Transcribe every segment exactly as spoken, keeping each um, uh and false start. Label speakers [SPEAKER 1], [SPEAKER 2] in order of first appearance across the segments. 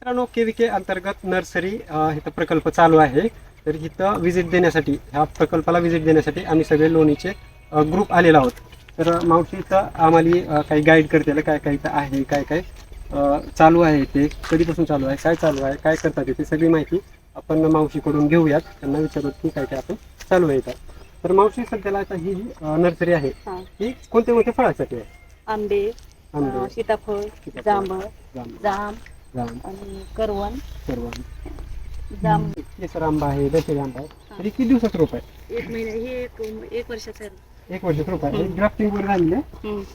[SPEAKER 1] मित्रांनो, केव्हीके अंतर्गत नर्सरी इथं प्रकल्प चालू आहे. तर इथं व्हिजिट देण्यासाठी, ह्या प्रकल्पाला व्हिजिट देण्यासाठी आम्ही सगळे लोणीचे ग्रुप आलेलो आहोत. तर मावशी इथं आम्हाला काही गाईड करते, काय काय इथं आहे, काय काय चालू आहे, ते कधीपासून चालू आहे, काय चालू आहे, काय करतात ते सगळी माहिती आपण मावशीकडून घेऊयात. त्यांना विचारूत की काय काय आपण चालू आहे इथं. तर मावशी, सध्याला आता ही नर्सरी आहे, ही कोणत्या कोणत्या फळासाठी आहे?
[SPEAKER 2] आंबे,
[SPEAKER 1] आंबे,
[SPEAKER 2] सीताफळ, जांभळ, जाम आणि करवण.
[SPEAKER 1] करवण,
[SPEAKER 2] जाम,
[SPEAKER 1] केसर आंबा आहे, दशेरी आंबा आहे. तरी किती दिवसाचं रोप आहे?
[SPEAKER 2] एक महिना हे एक एक वर्षाचं आहे.
[SPEAKER 1] एक वर्षाचं रोप आहे. ग्राफ्टिंग वगैरे झालेली आहे,
[SPEAKER 2] हम्म.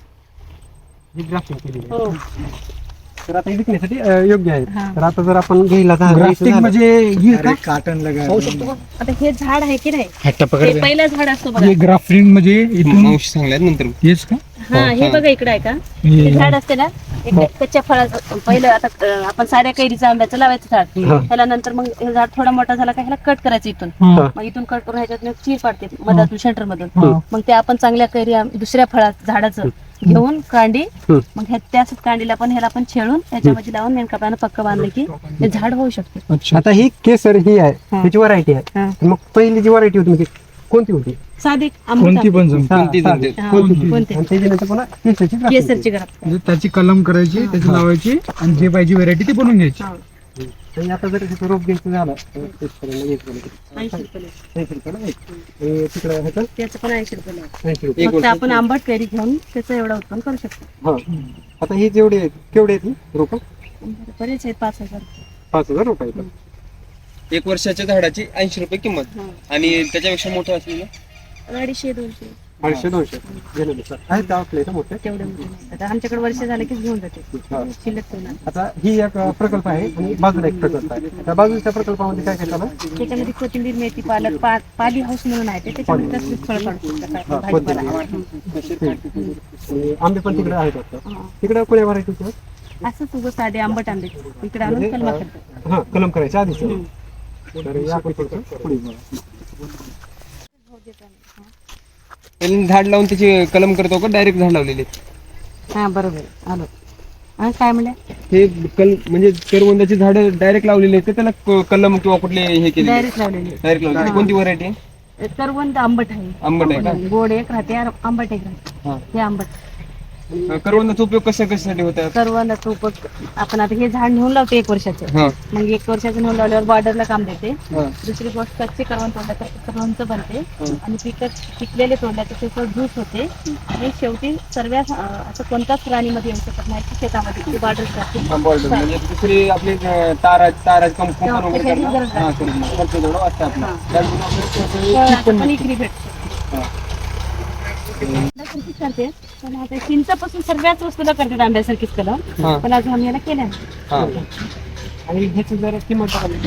[SPEAKER 1] ही ग्राफ्टिंग केलेली
[SPEAKER 2] हो.
[SPEAKER 1] आहे. तर आता हे विकण्यासाठी अं, योग्य आहे. तर आता जर आपण घ्यायला झालं
[SPEAKER 3] ग्राफ्टिंग म्हणजे हे का?
[SPEAKER 1] काटन लगा
[SPEAKER 3] पाहू शकतो का?
[SPEAKER 2] आता हे झाड आहे की नाही,
[SPEAKER 3] हट्टा
[SPEAKER 2] हे
[SPEAKER 3] पकड.
[SPEAKER 2] पहिलं झाड असतो बघा.
[SPEAKER 3] हे ग्राफ्टिंग म्हणजे इथून
[SPEAKER 4] मावशी सांगल्यात नंतर
[SPEAKER 3] हेच का?
[SPEAKER 2] हा, हे बघा इकडे आहे का,
[SPEAKER 3] हे-
[SPEAKER 2] हे झाड असते ना, एक कच्च्या फळाचं पहिलं. आता अं, आपण साऱ्या कैरीचं आंब्याचं लावायचं झाड, त्याला नंतर मग हे झाड थोडा मोठा झाला का ह्याला कट करायचं इथून.
[SPEAKER 3] हा.
[SPEAKER 2] मग इथून कट करून ह्याच्यात एक चीर पाडते मधातून, सेंटर मधून.
[SPEAKER 3] हा.
[SPEAKER 2] मग ते आपण चांगल्या कैरी आंब- दुसऱ्या फळात झाडाचं घेऊन कांडी, मग ह्या त्याच कांडीला पण ह्याला पण छेळून त्याच्यामध्ये लावून नेमकापणानं पक्क बांधलं की ते झाड होऊ शकते.
[SPEAKER 3] अच्छा.
[SPEAKER 1] आता ही केसर ही आहे,
[SPEAKER 2] हा.
[SPEAKER 1] त्याची व्हरायटी आहे.
[SPEAKER 2] हा.
[SPEAKER 1] तर मग पहिली जी व्हरायटी होती म्हणजे कोणती होती?
[SPEAKER 2] साधी आंबट
[SPEAKER 3] कोणती पण
[SPEAKER 2] आंबे.
[SPEAKER 3] जमते.
[SPEAKER 4] कोणती
[SPEAKER 1] हा,
[SPEAKER 4] जमते.
[SPEAKER 1] हा.
[SPEAKER 2] हा,
[SPEAKER 1] कोणती?
[SPEAKER 2] कोणती?
[SPEAKER 1] आणि त्याच्यानंतर पुन्हा केसरची grafting
[SPEAKER 2] केसरची
[SPEAKER 1] केली.
[SPEAKER 2] घरात.
[SPEAKER 3] म्हणजे त्याची कलम करायची, त्याची लावायची आणि जे पाहिजे व्हरायटी ती बनवून घ्यायची.
[SPEAKER 2] हा.
[SPEAKER 1] आणि आता जर तिथं रोप घ्यायचं झालं तर शेतकऱ्यांना घ्यायचं झालं तर
[SPEAKER 2] ऐंशी रुपये.
[SPEAKER 1] ऐंशी रुपयाला एक. आणि तिकडं ह्याचं
[SPEAKER 2] त्याचं पण ऐंशी रुपये लागतं.
[SPEAKER 1] ऐंशी रुपये.
[SPEAKER 2] फक्त आपण आंबट कैरी घेऊन त्याचं एवढं उत्पन्न करू शकतो.
[SPEAKER 1] हा. आता ही जेवढी आहेत, केवढी आहेत ही रोप?
[SPEAKER 2] बरेच आहेत, पाच हजार.
[SPEAKER 1] पाच हजार रुपये आहेत.
[SPEAKER 4] एक वर्षाच्या झाडाची ऐंशी रुपये किंमत
[SPEAKER 2] हा.
[SPEAKER 4] आणि त्याच्यापेक्षा मोठं असलेलं
[SPEAKER 2] अडीचशे दोनशे
[SPEAKER 1] अडीचशे दोनशे घेण्यानुसार आहेत का आपल्या इथं मोठे?
[SPEAKER 2] तेवढे मोठे नाही. आता आमच्याकडे वर्ष झाले की घेऊन जाते,
[SPEAKER 1] हा.
[SPEAKER 2] शिल्लक ठेवणार.
[SPEAKER 1] आता ही एक प्रकल्प आहे आणि बाजूला एक प्रकल्प आहे. त्या बाजूच्या प्रकल्पामध्ये काय काय चालू आहे?
[SPEAKER 2] त्याच्यामध्ये कोथिंबीर, मेथी, पालक, पा पाली हाऊस म्हणून आहे ते, त्याच्यामध्ये तसलीच फळं काढू शकतात.
[SPEAKER 1] हा,
[SPEAKER 2] भाजीपाला.
[SPEAKER 1] आणि आंबे पण तिकडे आहेत वाटतं.
[SPEAKER 2] हा.
[SPEAKER 1] तिकडे कोण्या व्हरायटीचे?
[SPEAKER 2] असंच उगं साधे आंबट आंबे इकडे आणून कलमा करतात.
[SPEAKER 1] हा, कलम करायच्या आधीच.
[SPEAKER 2] हम्म.
[SPEAKER 1] तर या आपण थोडंसं पुढे जाऊया.
[SPEAKER 4] पहिल्यांदा झाड लावून त्याची कलम करतो का डायरेक्ट झाड लावलेले?
[SPEAKER 2] हा, बरोबर आलो. हा, काय म्हणले?
[SPEAKER 4] हे कल म्हणजे करवंदाची झाड डायरेक्ट लावलेले आहेत, त्याला क- कलम किंवा कुठले हे केले?
[SPEAKER 2] डायरेक्ट लावलेले.
[SPEAKER 4] डायरेक्ट लावलेले.
[SPEAKER 2] हा.
[SPEAKER 4] कोणती व्हरायटी आहे?
[SPEAKER 2] करवंद आंबट आहे.
[SPEAKER 4] आंबट आहे का?
[SPEAKER 2] गोड एक राहते आणि आंबट एक राहते.
[SPEAKER 4] हा.
[SPEAKER 2] हे आंबट
[SPEAKER 4] करवंदाचा उपयोग कशा कशासाठी होतात?
[SPEAKER 2] करवंदाचं उपयोग आपण आता हे झाड नेऊन लावतो एक वर्षाचं.
[SPEAKER 4] हा.
[SPEAKER 2] मग एक वर्षाचं नेऊन लावल्यावर बॉर्डरला काम देते.
[SPEAKER 4] हा.
[SPEAKER 2] दुसरी गोष्ट कच्चे करवंद तोडल्याचं लोणचं बनते
[SPEAKER 4] हं.
[SPEAKER 2] आणि पिकत पिकलेले तोडल्याचं त्याचं ज्यूस होते. आणि शेवटी सर्व असं कोणत्याच प्राणीमध्ये येऊ शकत नाही की शेतामध्ये बॉर्डर
[SPEAKER 4] हा, border. म्हणजे दुसरी आपली अं, तारा ताराची कंप-
[SPEAKER 2] तेव्हा
[SPEAKER 4] कुंपण वगैरे
[SPEAKER 2] त्याची
[SPEAKER 4] करतात.
[SPEAKER 2] गरज
[SPEAKER 4] हा,
[SPEAKER 2] नाही.
[SPEAKER 4] करून खर्च जेवढा वाचतं आपला.
[SPEAKER 2] हा.
[SPEAKER 4] त्यामुळे आपल्याला थोडंसं
[SPEAKER 2] पण इकडे भेटते.
[SPEAKER 4] हा.
[SPEAKER 2] आंब्यासारखीच करते, पण आता चिंचापासून सर्वच वस्तूला करतात आंब्यासारखीच कलम,
[SPEAKER 4] हा.
[SPEAKER 2] पण अजून आम्ही याला केल्या नाही.
[SPEAKER 4] हा.
[SPEAKER 1] आणि ह्याची जर किंमत टाकली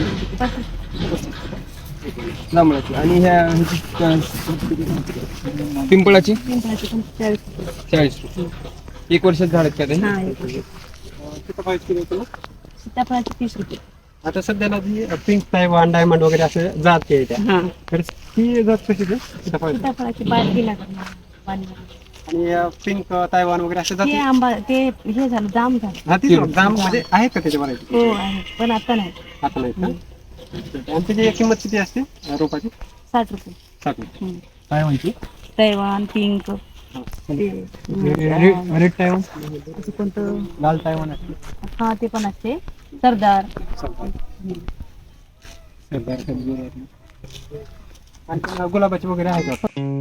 [SPEAKER 4] जांभळाची आणि ह्या ह्याची, अं, पिंपळाची
[SPEAKER 2] पिंपळाची पण चाळीस रुपये.
[SPEAKER 4] चाळीस रुपये. एक वर्षात झाड आहेत का ते?
[SPEAKER 2] हा, एक रुपये.
[SPEAKER 1] किती पाहिजे किलो तुला?
[SPEAKER 2] सीताफळाची तीस रुपये.
[SPEAKER 1] आता सध्याला जी पिंक तायवान डायमंड वगैरे असं जात आहे त्या,
[SPEAKER 2] हा,
[SPEAKER 1] तर ती जात कशी आहे? सीताफळ.
[SPEAKER 2] सीताफळाची बादली लागणार. बादली.
[SPEAKER 1] आणि पिंक तायवान वगैरे असे
[SPEAKER 2] ते
[SPEAKER 1] जाती.
[SPEAKER 2] आंबा ते हे झालं, जाम झालं.
[SPEAKER 1] हा, ती जाम म्हणजे आहेत का त्याच्या व्हरायटी?
[SPEAKER 2] हो आहे, पण आता नाही.
[SPEAKER 1] आता नाहीत का? आणि त्याची किंमत किती असते रोपाची?
[SPEAKER 2] साठ रुपये.
[SPEAKER 1] साठ.
[SPEAKER 2] हम्म.
[SPEAKER 3] काय माहिती?
[SPEAKER 2] तैवान, पिंक, ते,
[SPEAKER 3] रेड टायवन,
[SPEAKER 2] असं कोणतं,
[SPEAKER 3] लाल टायवन असते.
[SPEAKER 2] हा ते पण असते. सरदार.
[SPEAKER 1] आणि गुलाबाची वगैरे आहे का?